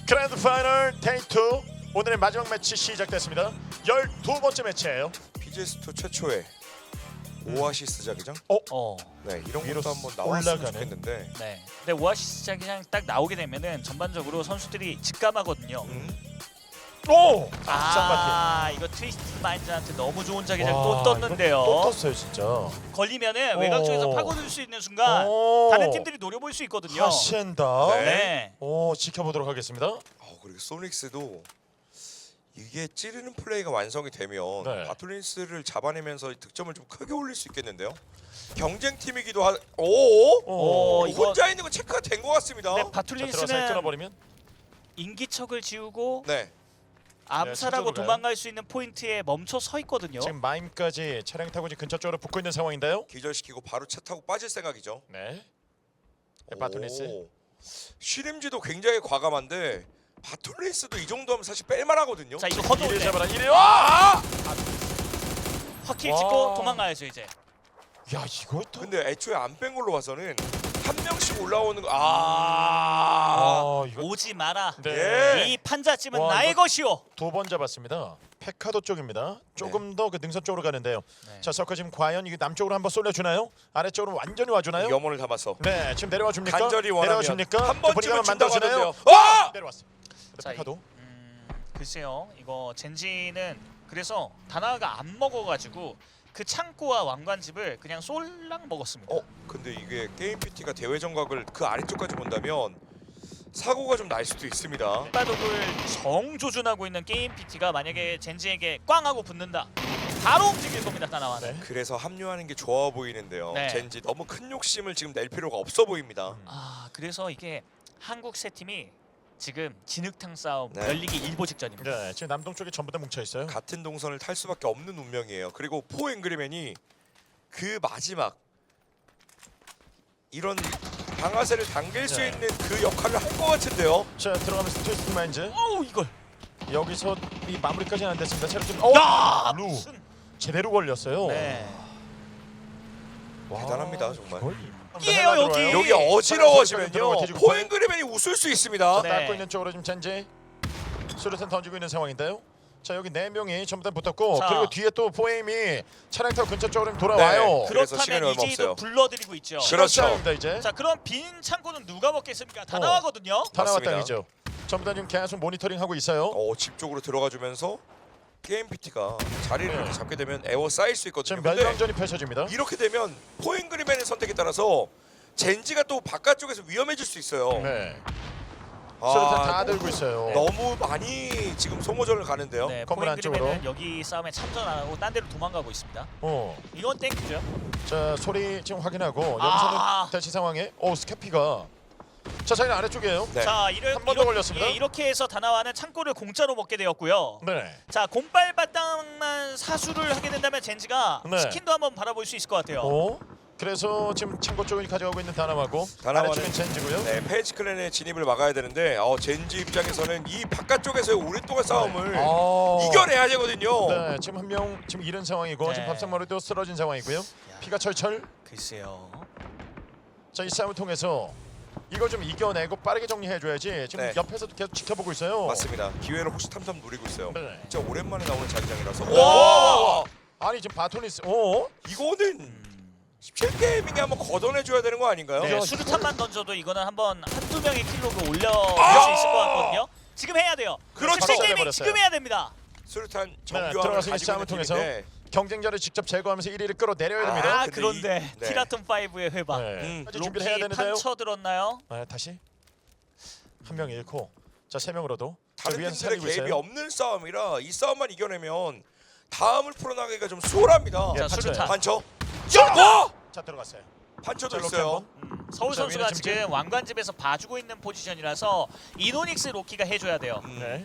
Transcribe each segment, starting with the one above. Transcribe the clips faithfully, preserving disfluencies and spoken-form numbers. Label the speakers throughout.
Speaker 1: 그랜드 파이널 데이 투 오늘의 마지막 매치 시작됐습니다. 열두 번째 매치예요.
Speaker 2: 피지에스투 최초의 오아시스 자기장?
Speaker 1: 어?
Speaker 3: 어,
Speaker 2: 네, 이런
Speaker 1: 위로
Speaker 2: 것도 한번 나왔으면
Speaker 1: 올라가는.
Speaker 2: 좋겠는데.
Speaker 3: 네. 근데 오아시스 자기장 딱 나오게 되면은 전반적으로 선수들이 직감하거든요.
Speaker 2: 음?
Speaker 1: 오!
Speaker 3: 아, 이거 트위스트 마인드한테 너무 좋은 자기장
Speaker 1: 와,
Speaker 3: 또 떴는데요.
Speaker 1: 또 떴어요 진짜.
Speaker 3: 걸리면은
Speaker 1: 오.
Speaker 3: 외곽 쪽에서 파고들 수 있는 순간
Speaker 1: 오.
Speaker 3: 다른 팀들이 노려볼 수 있거든요.
Speaker 1: 하시엔다.
Speaker 2: 네.
Speaker 3: 네.
Speaker 1: 오, 지켜보도록 하겠습니다.
Speaker 2: 어, 그리고 소닉스도 이게 찌르는 플레이가 완성이 되면
Speaker 1: 네.
Speaker 2: 바툴린스를 잡아내면서 득점을 좀 크게 올릴 수 있겠는데요. 경쟁팀이기도 하. 오!
Speaker 1: 오,
Speaker 3: 어, 이거
Speaker 2: 혼자 있는 거 체크가 된 것 같습니다.
Speaker 3: 근데
Speaker 1: 자, 들어가서
Speaker 3: 바툴린스는
Speaker 1: 끊어버리면
Speaker 3: 인기척을 지우고
Speaker 2: 네.
Speaker 3: 암살하고
Speaker 1: 네, 가요.
Speaker 3: 도망갈 수 있는 포인트에 멈춰 서 있거든요.
Speaker 1: 지금 마임까지 차량 타고 지금 근처 쪽으로 붙고 있는 상황인데요.
Speaker 2: 기절시키고 바로 차 타고 빠질 생각이죠.
Speaker 1: 네. 바툴린스.
Speaker 2: 오. 쉬림지도 굉장히 과감한데 바툴린스도 이 정도면 사실 뺄만하거든요.
Speaker 3: 자, 이거 허도
Speaker 1: 이를
Speaker 3: 네.
Speaker 1: 잡아라. 이래요.
Speaker 2: 아!
Speaker 3: 확킬
Speaker 1: 와.
Speaker 3: 찍고 도망가야죠 이제.
Speaker 1: 야, 이것도.
Speaker 2: 근데 애초에 안 뺀 걸로 봐서는 한 명씩 올라오는 거. 아!
Speaker 1: 아, 이거
Speaker 3: 오지 마라.
Speaker 1: 네.
Speaker 3: 이 판자집은
Speaker 1: 와,
Speaker 3: 나의
Speaker 1: 이거-
Speaker 3: 것이오.
Speaker 1: 두 번 잡았습니다. 페카도 쪽입니다. 조금 더 그 능선 쪽으로 가는데요.
Speaker 3: 네.
Speaker 1: 자, 서커 지금 과연 이게 남쪽으로 한번 쏠려주나요? 아래쪽으로 완전히 와주나요?
Speaker 2: 염원을 담아서
Speaker 1: 네, 지금 내려와 줍니까?
Speaker 2: 간절히 원하면
Speaker 1: 내려와 줍니까?
Speaker 2: 한 번쯤은 준다고
Speaker 1: 만들어주나요?
Speaker 2: 하던데요. 아!
Speaker 1: 내려왔어. 근데
Speaker 3: 자,
Speaker 1: 페카도.
Speaker 3: 음, 글쎄요. 이거 젠지는 그래서 다나가 안 먹어가지고 그 창고와 왕관집을 그냥 쏠랑 먹었습니다.
Speaker 2: 어, 근데 이게 게임 피티가 대회 정각을 그 아래쪽까지 본다면 사고가 좀 날 수도 있습니다.
Speaker 3: 바독을 정조준하고 있는 게임 피티가 만약에 젠지에게 꽝 하고 붙는다. 바로 움직일 겁니다. 다나와는.
Speaker 1: 네.
Speaker 2: 그래서 합류하는 게 좋아 보이는데요.
Speaker 3: 네.
Speaker 2: 젠지 너무 큰 욕심을 지금 낼 필요가 없어 보입니다.
Speaker 3: 아, 그래서 이게 한국 세 팀이 지금 진흙탕 싸움
Speaker 2: 네.
Speaker 3: 열리기 일보 직전입니다.
Speaker 1: 네, 지금 남동 쪽에 전부 다 뭉쳐 있어요.
Speaker 2: 같은 동선을 탈 수밖에 없는 운명이에요. 그리고 포 앵그리맨이 그 마지막 이런 방아쇠를 당길 수
Speaker 1: 네.
Speaker 2: 있는 그 역할을 할 것 같은데요.
Speaker 1: 자, 들어가면서 트위스트 마인즈.
Speaker 3: 어우, 이걸.
Speaker 1: 여기서 이 마무리까지는 안 됐습니다. 체력 좀.
Speaker 3: 야!
Speaker 1: 루
Speaker 3: 무슨.
Speaker 1: 제대로 걸렸어요.
Speaker 3: 네.
Speaker 1: 와,
Speaker 2: 대단합니다, 정말.
Speaker 1: 거의.
Speaker 3: 이에요, 여기.
Speaker 2: 여기
Speaker 1: 들어가,
Speaker 2: 어지러워지면요.
Speaker 1: 뒤지고
Speaker 2: 포 앵그리맨이 웃을 수 있습니다.
Speaker 3: 네.
Speaker 1: 닦고 있는 쪽으로 지금 젠지 수류탄 던지고 있는 상황인데요. 자, 여기 네 명이 전부 다 붙었고
Speaker 3: 자.
Speaker 1: 그리고 뒤에 또 포에임이 차량 타고 근처 쪽으로 돌아와요.
Speaker 2: 네. 그래서 시간이
Speaker 3: 그렇다면
Speaker 2: 얼마
Speaker 3: 이제도
Speaker 2: 없어요.
Speaker 3: 불러드리고 있죠.
Speaker 2: 그렇죠.
Speaker 1: 시간입니다, 이제.
Speaker 3: 자, 그럼 빈 창고는 누가 먹겠습니까? 다
Speaker 1: 어.
Speaker 3: 나와거든요.
Speaker 1: 다나와
Speaker 2: 맞습니다.
Speaker 1: 땅이죠. 전부 다 지금 계속 모니터링 하고 있어요.
Speaker 2: 어, 집 쪽으로 들어가 주면서 게임 피티가 자리를
Speaker 1: 네.
Speaker 2: 이렇게 잡게 되면 에워 쌓일 수 있거든요.
Speaker 1: 지금
Speaker 2: 근데
Speaker 1: 멸망전이 펼쳐집니다.
Speaker 2: 이렇게 되면 포 앵그리맨의 선택에 따라서 젠지가 또 바깥쪽에서 위험해질 수 있어요.
Speaker 1: 네.
Speaker 2: 아,
Speaker 1: 수류탄 다 들고 있어요.
Speaker 2: 너무 많이 지금 소모전을 가는데요.
Speaker 3: 네,
Speaker 1: 건물 안쪽으로.
Speaker 3: 포인그리맨은 여기 싸움에 참전 안 하고 딴 데로 도망가고 있습니다.
Speaker 1: 어.
Speaker 3: 이건 땡큐죠.
Speaker 1: 자, 소리 지금 확인하고 여기서는
Speaker 3: 아.
Speaker 1: 대치 상황에 오, 스캐피가 자, 자기는 아래쪽이에요.
Speaker 2: 네.
Speaker 3: 자, 이를,
Speaker 1: 한번더 걸렸습니다.
Speaker 3: 예, 이렇게 해서 다나와는 창고를 공짜로 먹게 되었고요.
Speaker 1: 네.
Speaker 3: 자, 곰발바닥만 사수를 하게 된다면 젠지가
Speaker 1: 네.
Speaker 3: 치킨도 한번 바라볼 수 있을 것 같아요.
Speaker 1: 오. 그래서 지금 창고 쪽을 가져가고 있는 다나와고
Speaker 2: 다나와는-
Speaker 1: 아래쪽엔 젠지고요.
Speaker 2: 네, 페이지 클랜의 진입을 막아야 되는데 어, 젠지 입장에서는 이 바깥쪽에서의 오랫동안 싸움을
Speaker 1: 아.
Speaker 2: 이겨내야 되거든요.
Speaker 1: 네, 지금 한 명 지금 잃은 상황이고
Speaker 3: 네.
Speaker 1: 지금 밥상머리도 쓰러진 상황이고요. 피가 철철.
Speaker 3: 글쎄요.
Speaker 1: 자, 이 싸움을 통해서 이거 좀 이겨내고 빠르게 정리해줘야지. 지금
Speaker 2: 네.
Speaker 1: 옆에서도 계속 지켜보고 있어요.
Speaker 2: 맞습니다. 기회를 혹시탐탐 노리고 있어요.
Speaker 1: 네.
Speaker 2: 진짜 오랜만에 나오는 자기장이라서.
Speaker 1: 와!
Speaker 2: 와!
Speaker 1: 아니 지금 바토니스. 오.
Speaker 2: 이거는 십칠 게이밍에 한번 걷어내줘야 되는 거 아닌가요?
Speaker 3: 네,
Speaker 1: 야,
Speaker 3: 수류탄만 던져도 이거는 한번 한두 명의 킬로그 올려줄
Speaker 2: 아!
Speaker 3: 수 있을 것 같거든요. 지금 해야 돼요.
Speaker 2: 그렇죠.
Speaker 3: 십칠 게이밍
Speaker 1: 해버렸어요.
Speaker 3: 지금 해야 됩니다.
Speaker 2: 수류탄
Speaker 1: 네,
Speaker 2: 정교함을
Speaker 1: 들어가서 이
Speaker 2: 가지고
Speaker 1: 싸움을
Speaker 2: 있는
Speaker 1: 통해서
Speaker 2: 팀인데
Speaker 1: 경쟁자를 직접 제거하면서 일 위를 끌어내려야 됩니다.
Speaker 3: 아,
Speaker 2: 근데
Speaker 3: 그런데
Speaker 2: 이- 네.
Speaker 3: 티라톤 파이브의 회방.
Speaker 1: 네.
Speaker 2: 음,
Speaker 1: 아직 준비를 해야
Speaker 3: 로키
Speaker 1: 되는데요.
Speaker 3: 판쳐 들었나요?
Speaker 1: 네, 다시 한 명 잃고 자, 세 명으로도 자,
Speaker 2: 다른
Speaker 1: 위에서
Speaker 2: 팀들의
Speaker 1: 살리고
Speaker 2: 개입이
Speaker 1: 있어요.
Speaker 2: 없는 싸움이라 이 싸움만 이겨내면 다음을 풀어나가기가 좀 수월합니다.
Speaker 1: 예,
Speaker 3: 자,
Speaker 1: 판쳐요.
Speaker 3: 수류탄.
Speaker 2: 판처?
Speaker 1: 자,
Speaker 2: 와!
Speaker 1: 자, 들어갔어요.
Speaker 2: 판처도
Speaker 1: 자, 로키
Speaker 2: 있어요.
Speaker 1: 한번.
Speaker 3: 음, 서울
Speaker 1: 자,
Speaker 3: 선수가
Speaker 1: 위는 지금
Speaker 3: 지금 왕관집에서 봐주고 있는 포지션이라서 이노닉스 로키가 해줘야 돼요.
Speaker 2: 음.
Speaker 1: 네.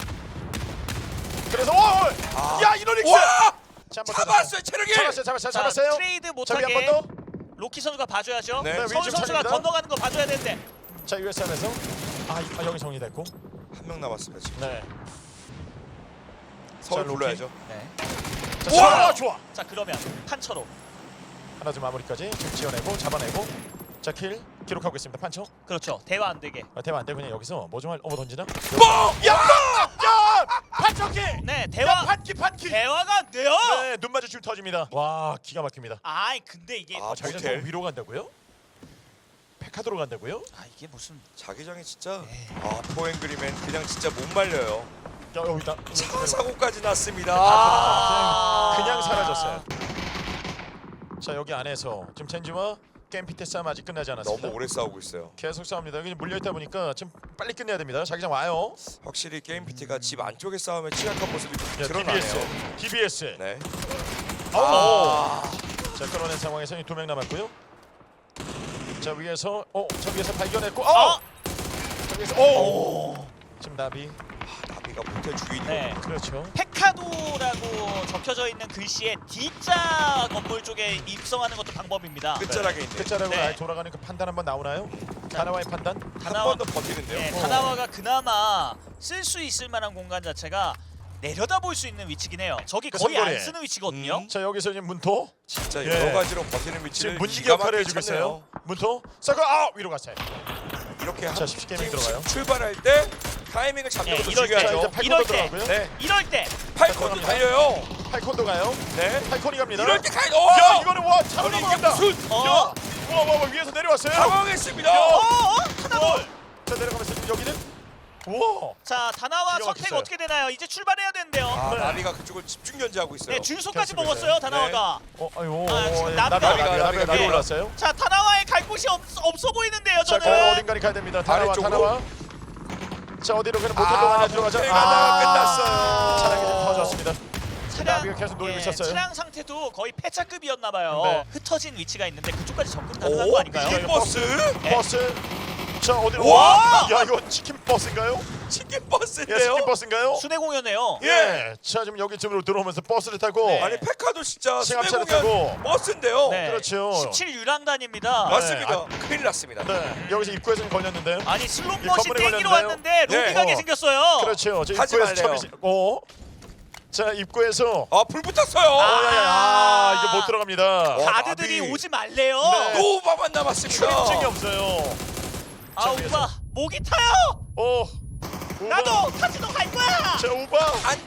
Speaker 1: 그래서 오!
Speaker 2: 아.
Speaker 1: 야, 이노닉스!
Speaker 2: 와!
Speaker 1: 자, 한번
Speaker 2: 잡았어요, 체력이!
Speaker 1: 잡았어요. 잡았어요.
Speaker 3: 자,
Speaker 1: 잡았어요.
Speaker 3: 트레이드
Speaker 1: 자, 위
Speaker 3: 못하게
Speaker 1: 한번 더.
Speaker 3: 로키 선수가 봐줘야죠.
Speaker 2: 네.
Speaker 1: 네,
Speaker 3: 서울
Speaker 1: 위쪽
Speaker 3: 선수가
Speaker 1: 차례입니다.
Speaker 3: 건너가는 거 봐줘야 되는데.
Speaker 1: 자, 유에스엠에서 아, 이- 아, 여기 정리됐고.
Speaker 2: 한 명 남았습니다 지금.
Speaker 1: 네.
Speaker 2: 서울
Speaker 1: 자, 로키.
Speaker 2: 불러야죠.
Speaker 3: 네.
Speaker 1: 자,
Speaker 2: 우와!
Speaker 1: 좋아.
Speaker 3: 자, 그러면 판처로.
Speaker 1: 하나 좀 마무리까지 좀 지어내고 잡아내고 자, 킬. 기록하고 있습니다. 판초.
Speaker 3: 그렇죠. 대화 안 되게.
Speaker 1: 아, 대화 안 되고 그냥 여기서 뭐 좀 할. 어머 던지나?
Speaker 2: 뻥!
Speaker 1: 야! 야! 판초기!
Speaker 3: 네,
Speaker 1: 야,
Speaker 3: 대화
Speaker 1: 판키 판키.
Speaker 3: 대화가 안 돼요.
Speaker 1: 네, 눈 마주치면 터집니다. 와, 기가 막힙니다.
Speaker 3: 아이 근데 이게
Speaker 2: 아,
Speaker 3: 아,
Speaker 1: 자기장
Speaker 2: 모텔.
Speaker 1: 또 위로 간다고요? 페카도로 간다고요?
Speaker 3: 이게 무슨
Speaker 2: 자기장이 진짜
Speaker 3: 에이.
Speaker 2: 아 포앵그리맨 그냥 진짜 못 말려요.
Speaker 1: 야, 여기다.
Speaker 2: 차 사고까지 났습니다.
Speaker 3: 아.
Speaker 1: 그냥 사라졌어요. 자, 여기 안에서 지금 젠지와 게임피트 싸움 아직 끝나지 않았습니다.
Speaker 2: 너무 오래 싸우고 있어요.
Speaker 1: 계속 싸웁니다. 여기 물려 있다 보니까 지금 빨리 끝내야 됩니다. 자기장 와요.
Speaker 2: 확실히 게임 피티가 집 안쪽에 싸움에 취약한 모습이 좀
Speaker 1: 야,
Speaker 2: 드러나네요.
Speaker 1: 디비에스. 디비에스.
Speaker 2: 네.
Speaker 1: 오.
Speaker 2: 아,
Speaker 1: 자, 끌어낸 상황에서 두 명 남았고요. 자, 위에서 어, 저 위에서 발견했고. 어!
Speaker 3: 어?
Speaker 1: 저 위에서 오! 지금 나비.
Speaker 2: 나비가 모텔 주인이고.
Speaker 3: 네.
Speaker 1: 그렇죠.
Speaker 3: 페카도라고 적혀져 있는 글씨에 D자 건물 쪽에 입성하는 것도 방법입니다.
Speaker 2: 끝자락에 있네.
Speaker 1: 끝자락으로
Speaker 3: 네.
Speaker 1: 아예 돌아가는 그 판단 한번 나오나요? 다나와의 판단?
Speaker 2: 한
Speaker 3: 다나와
Speaker 2: 번 더 버티는데요.
Speaker 3: 네,
Speaker 1: 어.
Speaker 3: 다나와가 그나마 쓸 수 있을 만한 공간 자체가 내려다볼 수 있는 위치긴 해요. 저기
Speaker 1: 그
Speaker 3: 거의 안
Speaker 1: 선거리에.
Speaker 3: 쓰는 위치거든요.
Speaker 2: 음.
Speaker 1: 자, 여기서 이제 문토.
Speaker 2: 진짜
Speaker 1: 예.
Speaker 2: 여러 가지로 버티는
Speaker 1: 지금
Speaker 2: 위치를
Speaker 1: 문지기
Speaker 2: 기가
Speaker 1: 역할을
Speaker 2: 막히게
Speaker 1: 해주고 있어요.
Speaker 2: 찾네요.
Speaker 1: 문토. 서커 아 위로 갔어요.
Speaker 2: 이렇게 한
Speaker 1: 자, 십십 게임이
Speaker 2: 팀씩
Speaker 1: 들어가요.
Speaker 2: 출발할 때 타이밍을 잡는
Speaker 3: 네,
Speaker 2: 것도
Speaker 3: 이럴 때,
Speaker 1: 자, 이제
Speaker 2: 중요하죠.
Speaker 1: 팔콘도
Speaker 3: 이럴 때.
Speaker 1: 들어가고요.
Speaker 2: 네.
Speaker 3: 이럴 때
Speaker 2: 팔콘도
Speaker 1: 갑니다.
Speaker 2: 달려요.
Speaker 1: 팔콘도 가요.
Speaker 2: 네.
Speaker 1: 팔콘이 갑니다.
Speaker 2: 이럴 때 가야
Speaker 1: 야,
Speaker 2: 어!
Speaker 1: 이거는 와 차로
Speaker 2: 아니, 이게
Speaker 1: 넘어간다.
Speaker 2: 무슨
Speaker 3: 어?
Speaker 1: 야, 와, 와, 와, 위에서 내려왔어요.
Speaker 2: 당황했습니다.
Speaker 1: 야.
Speaker 3: 어? 어?
Speaker 1: 와. 자, 내려가면서 지금 여기는 우와.
Speaker 3: 자, 다나와
Speaker 1: 기가
Speaker 3: 선택
Speaker 1: 막혔어요.
Speaker 3: 어떻게 되나요? 이제 출발해야 된대요.
Speaker 2: 아,
Speaker 1: 네.
Speaker 2: 나비가 그쪽을 집중 견제하고 있어요.
Speaker 3: 네, 줄소까지
Speaker 1: 계속
Speaker 3: 먹었어요,
Speaker 1: 있어요.
Speaker 3: 다나와가.
Speaker 1: 어, 아유,
Speaker 3: 아, 지금
Speaker 1: 어,
Speaker 3: 나비가-
Speaker 1: 나비가 나비가
Speaker 2: 나비가
Speaker 1: 나비가 나비
Speaker 3: 네.
Speaker 1: 올랐어요.
Speaker 3: 자, 다나와의 갈 곳이 없, 없어 보이는데요,
Speaker 1: 자,
Speaker 3: 저는.
Speaker 1: 그럼 어딘가를 가야 됩니다. 다나와,
Speaker 2: 아래쪽으로.
Speaker 1: 다나와. 자, 어디로 그냥 모텔
Speaker 2: 아,
Speaker 1: 동안에 들어가자.
Speaker 2: 모텔
Speaker 1: 아,
Speaker 2: 가다가 끝났어요.
Speaker 1: 차량이 좀 터졌습니다.
Speaker 3: 차량,
Speaker 1: 나비가 계속 노리고 있었어요.
Speaker 3: 차량 상태도 거의 폐차급이었나 봐요.
Speaker 1: 네.
Speaker 3: 흩어진 위치가 있는데 그쪽까지 접근 가능한
Speaker 2: 오,
Speaker 3: 거 아닌가요?
Speaker 2: 이게 버스?
Speaker 3: 네.
Speaker 1: 버스. 자, 어디로?
Speaker 2: 와!
Speaker 1: 야, 이거 치킨 버스인가요?
Speaker 2: 치킨
Speaker 1: 예,
Speaker 2: 버스인데요.
Speaker 1: 치킨 버스인가요?
Speaker 3: 순회 공연이에요.
Speaker 1: 예. 자, 지금 여기쯤으로 들어오면서 버스를 타고
Speaker 3: 네.
Speaker 2: 아니 페카도 진짜
Speaker 1: 승합차를
Speaker 2: 수내 공연
Speaker 1: 타고.
Speaker 2: 버스인데요.
Speaker 3: 네.
Speaker 1: 그렇죠.
Speaker 3: 십칠 유랑단입니다.
Speaker 1: 네.
Speaker 2: 맞습니다. 큰일 났습니다.
Speaker 1: 네. 여기서 입구에서는 걸렸는데요.
Speaker 3: 아니
Speaker 1: 이
Speaker 3: 슬롯머신
Speaker 1: 건물에
Speaker 3: 땡기러
Speaker 1: 걸렸나요?
Speaker 3: 왔는데
Speaker 2: 네.
Speaker 3: 로비 가게
Speaker 1: 어.
Speaker 3: 생겼어요.
Speaker 1: 그렇죠. 저
Speaker 2: 하지
Speaker 1: 입구에서
Speaker 2: 말래요.
Speaker 1: 처음이 어. 자, 입구에서
Speaker 2: 아, 불 붙었어요.
Speaker 1: 어, 야, 야, 야. 아, 이거 못 들어갑니다.
Speaker 2: 와,
Speaker 3: 가드들이
Speaker 2: 나비.
Speaker 3: 오지 말래요.
Speaker 1: 네.
Speaker 2: 또 오바만 남았습니다.
Speaker 1: 출입증이 없어요.
Speaker 3: 아
Speaker 1: 자,
Speaker 3: 오빠
Speaker 1: 위에서.
Speaker 3: 목이 타요.
Speaker 1: 어. 우바.
Speaker 3: 나도 카지노 갈 거야.
Speaker 1: 자, 우바.
Speaker 2: 안 돼.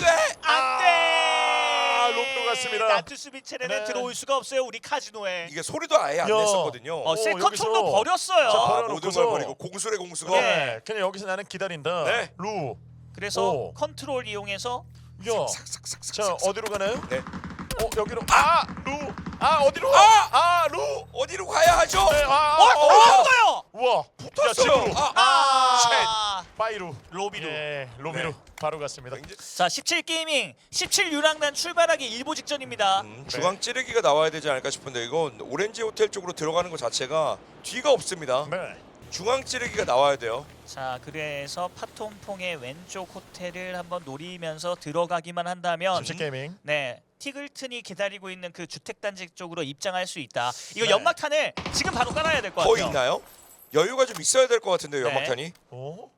Speaker 3: 안돼.
Speaker 1: 아, 로비로 갔습니다.
Speaker 3: 나투 수비 체내는
Speaker 1: 네.
Speaker 3: 들어올 수가 없어요. 우리 카지노에.
Speaker 2: 이게 소리도 아예 안
Speaker 1: 야.
Speaker 2: 냈었거든요.
Speaker 3: 어, 세컨
Speaker 1: 여기서.
Speaker 3: 톤도 버렸어요.
Speaker 1: 자,
Speaker 2: 아,
Speaker 1: 버려놓고서.
Speaker 2: 모든 걸 버리고 공수래 공수가.
Speaker 3: 네.
Speaker 1: 네. 그냥 여기서 나는 기다린다.
Speaker 2: 네.
Speaker 1: 루.
Speaker 3: 그래서
Speaker 1: 오.
Speaker 3: 컨트롤 이용해서
Speaker 1: 야.
Speaker 2: 삭삭삭삭삭.
Speaker 1: 자, 어디로 가나요?
Speaker 2: 네.
Speaker 1: 어, 여기로. 아, 루. 아, 어디로?
Speaker 2: 아!
Speaker 1: 아, 루.
Speaker 2: 어디로 가야 하죠?
Speaker 1: 네, 아,
Speaker 3: 어,
Speaker 1: 어,
Speaker 3: 또
Speaker 1: 어.
Speaker 3: 왔어요.
Speaker 1: 우와.
Speaker 2: 붙었어요.
Speaker 1: 야, 집으로.
Speaker 2: 아,
Speaker 3: 아,
Speaker 1: 바이루.
Speaker 3: 로비로.
Speaker 1: 예, 로비로
Speaker 2: 네.
Speaker 1: 바로 갔습니다.
Speaker 2: 이제
Speaker 3: 자, 십칠 게이밍 십칠 유랑단 출발하기 일보 직전입니다.
Speaker 2: 음, 중앙 찌르기가 나와야 되지 않을까 싶은데 이건 오렌지 호텔 쪽으로 들어가는 것 자체가 뒤가 없습니다.
Speaker 1: 네.
Speaker 2: 중앙 찌르기가 나와야 돼요.
Speaker 3: 자, 그래서 파톰퐁의 왼쪽 호텔을 한번 노리면서 들어가기만 한다면
Speaker 1: 십칠 게이밍.
Speaker 3: 네, 티글튼이 기다리고 있는 그 주택단지 쪽으로 입장할 수 있다. 이거
Speaker 1: 네.
Speaker 3: 연막탄을 지금 바로 깔아야 될 것 같아요.
Speaker 2: 거의 있나요? 여유가 좀 있어야 될 것 같은데요,
Speaker 3: 네.
Speaker 2: 연막탄이.
Speaker 1: 오.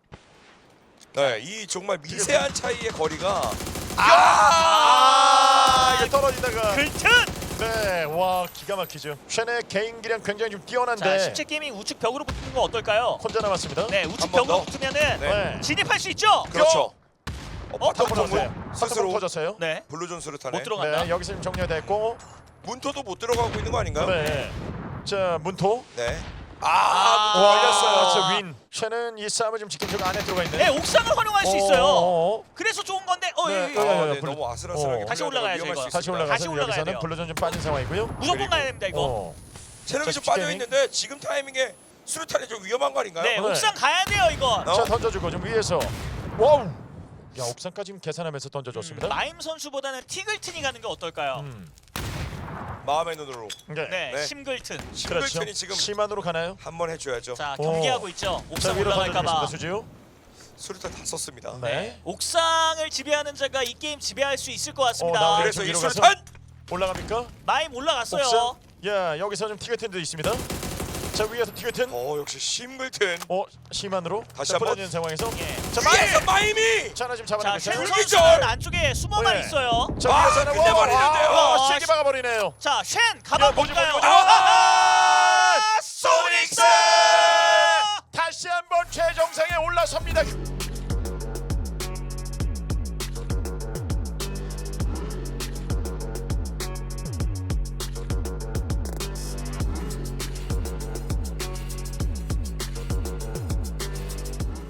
Speaker 2: 네, 이 정말 미세한 차이의 거리가
Speaker 1: 아, 이게 떨어지다가.
Speaker 3: 글튼!
Speaker 1: 네, 와 기가 막히죠. 쉔의 개인기량 굉장히 좀
Speaker 3: 자,
Speaker 1: 뛰어난데
Speaker 3: 십칠 게이밍 우측 벽으로 붙는 거 어떨까요?
Speaker 1: 혼자 남았습니다.
Speaker 3: 네, 우측
Speaker 2: 한번
Speaker 3: 벽으로
Speaker 2: 더.
Speaker 3: 붙으면은
Speaker 2: 네.
Speaker 3: 진입할 수 있죠?
Speaker 2: 그렇죠.
Speaker 3: 어,
Speaker 2: 어, 바텀
Speaker 1: 터졌어요.
Speaker 2: 통고
Speaker 1: 스스로
Speaker 2: 스스로
Speaker 1: 터졌어요.
Speaker 3: 네,
Speaker 2: 블루존 수류탄에
Speaker 3: 못 들어간다.
Speaker 1: 네, 여기서 지금 정리가 됐고.
Speaker 2: 문토도 못 들어가고 있는 거 아닌가요?
Speaker 1: 네. 자, 문토.
Speaker 2: 네.
Speaker 3: 아,
Speaker 2: 아,
Speaker 1: 와,
Speaker 2: 걸렸어요.
Speaker 1: 저 윈. 쉔은 이 싸움을 지금 지킨 쪽 안에 들어가 있네.
Speaker 3: 네, 옥상을 활용할 수 있어요.
Speaker 1: 어,
Speaker 3: 그래서 좋은 건데, 어,
Speaker 1: 네,
Speaker 3: 예, 예.
Speaker 1: 어,
Speaker 2: 아,
Speaker 1: 예,
Speaker 2: 네,
Speaker 1: 블루-
Speaker 2: 너무 아슬아슬하게
Speaker 1: 어.
Speaker 3: 다시
Speaker 2: 올라가다가
Speaker 3: 올라가야죠,
Speaker 2: 위험할
Speaker 3: 이거.
Speaker 2: 수
Speaker 1: 다시
Speaker 2: 있습니다.
Speaker 1: 올라가서
Speaker 3: 다시 올라가야
Speaker 1: 여기서는
Speaker 3: 돼요.
Speaker 1: 블루전 좀 빠진 상황이고요.
Speaker 3: 무조건
Speaker 2: 그리고-
Speaker 3: 가야 됩니다, 이거.
Speaker 1: 어.
Speaker 2: 체력이
Speaker 1: 자,
Speaker 2: 좀
Speaker 1: 십칠
Speaker 2: 빠져
Speaker 1: 게이밍.
Speaker 2: 있는데 지금 타이밍에 수류탄이 좀 위험한 거 아닌가요?
Speaker 3: 네,
Speaker 1: 네.
Speaker 3: 옥상 가야 돼요, 이건.
Speaker 2: 어?
Speaker 1: 자, 던져주고 좀 위에서. 와우. 야, 옥상까지 지금 계산하면서 던져줬습니다.
Speaker 3: 음, 마임 선수보다는 티글튼이 가는 게 어떨까요?
Speaker 1: 음.
Speaker 2: 마음의 눈으로
Speaker 1: 네.
Speaker 3: 네,
Speaker 2: 네.
Speaker 3: 심글튼.
Speaker 1: 그렇죠.
Speaker 2: 심글튼이 지금
Speaker 1: 심한으로 가나요?
Speaker 2: 한번 해줘야죠.
Speaker 3: 자,
Speaker 1: 오.
Speaker 3: 경계하고 있죠.
Speaker 1: 자,
Speaker 3: 옥상
Speaker 1: 위로
Speaker 3: 올라갈까봐.
Speaker 1: 던져주겠습니다. 수지요.
Speaker 2: 수류탄 다 썼습니다.
Speaker 1: 네.
Speaker 3: 네. 옥상을 지배하는 자가 이 게임 지배할 수 있을 것
Speaker 1: 어,
Speaker 3: 같습니다.
Speaker 1: 나오네.
Speaker 2: 그래서 이
Speaker 1: 위로 가서?
Speaker 2: 수류탄
Speaker 1: 올라갑니까?
Speaker 3: 마임 올라갔어요.
Speaker 1: 옥상. 야, 여기서 좀 티게튼도 있습니다. 자, 위에서 티게튼.
Speaker 2: 어 역시 심글튼
Speaker 1: 어, 심한으로.
Speaker 2: 다시
Speaker 1: 자,
Speaker 2: 한번.
Speaker 1: 부러지는 상황에서.
Speaker 3: 예.
Speaker 1: 자, 마이.
Speaker 2: 위에서 마임이
Speaker 1: 자, 하나 지금
Speaker 3: 자,
Speaker 1: 잡아내고
Speaker 3: 쉔
Speaker 1: 있어요.
Speaker 2: 불기절!
Speaker 3: 선수는 안쪽에 숨어만
Speaker 1: 네.
Speaker 3: 있어요.
Speaker 1: 자,
Speaker 2: 아,
Speaker 1: 위에서 하나.
Speaker 2: 끝내버리는데요.
Speaker 1: 와,
Speaker 3: 아,
Speaker 1: 세게 막아버리네요.
Speaker 3: 자, 쉔
Speaker 1: 야,
Speaker 3: 가방
Speaker 1: 뭐지,
Speaker 3: 볼까요?
Speaker 1: 뭐지, 뭐지?
Speaker 3: 아!
Speaker 2: 소닉스!
Speaker 1: 한번 최정상에 올라섭니다.